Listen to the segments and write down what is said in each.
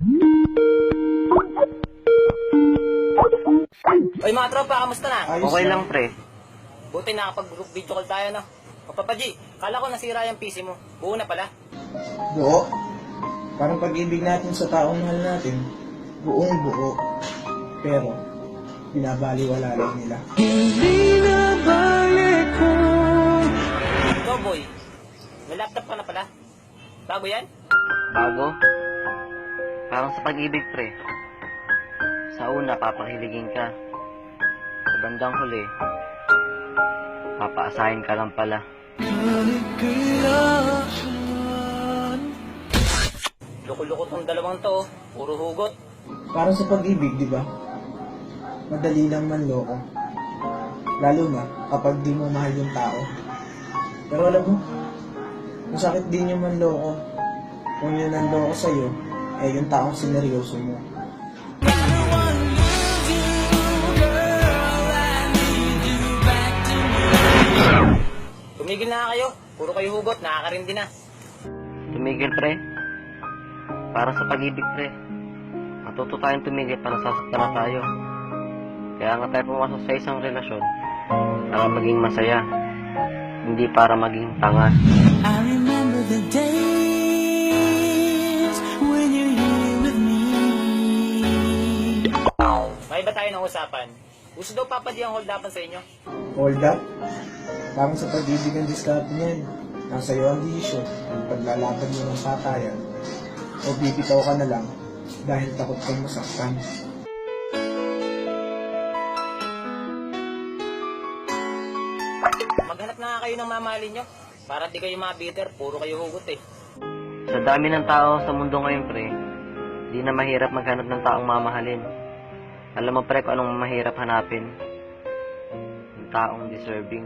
Oy mga tropa, kamusta na? Ayos Okay lang. lang, pre. Buti nakapag-group video call tayo, no? O Papa G, kala ko nasira yung PC mo. Buo na pala. Buo. Parang pag-ibig natin sa taong mahal natin, buong buo. Pero, binabaliwala lang nila. Ikaw boy, may laptop ka na pala. Bago yan? Bago. Parang sa pag-ibig, pre. Sa una, papahiligin ka. Sa bandang huli, papaasahin ka lang pala. Loko-loko tong dalawang to, oh. Puro hugot. Parang sa pag-ibig, di ba? Madali lang manloko. Lalo na kapag di mo mahal yung tao. Pero alam mo, masakit din yung manloko. Kung yun nanloko sa'yo, eh yung taong sineryoso mo. Tumigil na kayo. Puro kayo hugot, nakakarindi na. Tumigil, pre. Para sa pag-ibig, pre. Matuto tayong tumigil para nasasaktan na tayo. Kaya nga tayo pumasok sa isang relasyon para maging masaya, hindi para maging tanga. I remember the days when you're here with me. May ba tayo ng usapan? Gusto daw Papa G ang hold upan sa inyo. Hold up? Parang sa pag-ibig ang diskarte niyan. Nasa iyo ang desisyon kung paglalaban mo ng patayan o bibitaw ka na lang dahil takot kang masaktan. Maghanap na nga kayo ng mamahalin nyo. Para di kayo mabitter, puro kayo hugot eh. Sa dami ng tao sa mundo ngayon, pre, di na mahirap maghanap ng taong mamahalin. Alam mo, pre, kung anong mahirap hanapin? Yung taong deserving.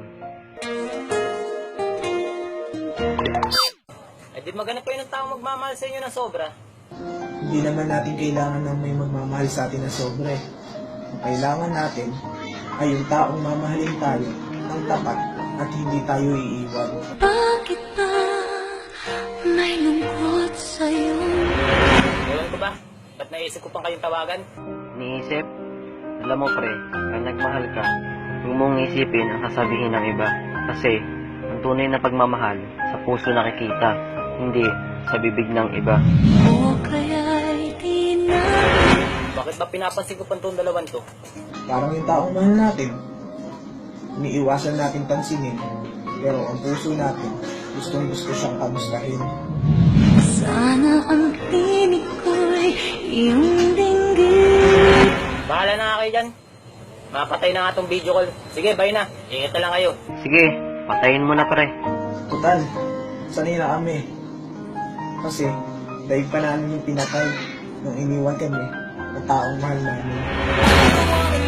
Eh di maghanap kayo ng taong magmamahal sa inyo ng sobra. Hindi naman natin kailangan ng may magmamahal sa atin na sobre. Ang kailangan natin ay yung taong mamahalin tayo ng tapat at hindi tayo iiwan. Bakit ba may lungkot sa'yo? Ewan ko ba? Ba't naisip ko pang kayong tawagan? Niisip, alam mo, pre, pag nagmahal ka, huwag mong isipin ang sasabihin ng iba. Kasi, ang tunay na pagmamahal, sa puso nakikita, hindi sa bibig ng iba. O kaya'y di na. Bakit ba pinapansin ko pa itong dalawan to? Parang yung taong mahal natin, iniiwasan natin pansinin, pero ang puso natin, gustong gusto siyang kamustahin. Sana ang tinig ko'y iyong dinggin. Bahala na nga kayo dyan. Mapatay na nga itong video call. Sige, bye na. Ingat na lang kayo. Sige, patayin mo na, pre. Total, sanay na kami. Kasi, dahil pa namin yung pinatay nung iniwan kami ng taong mahal namin.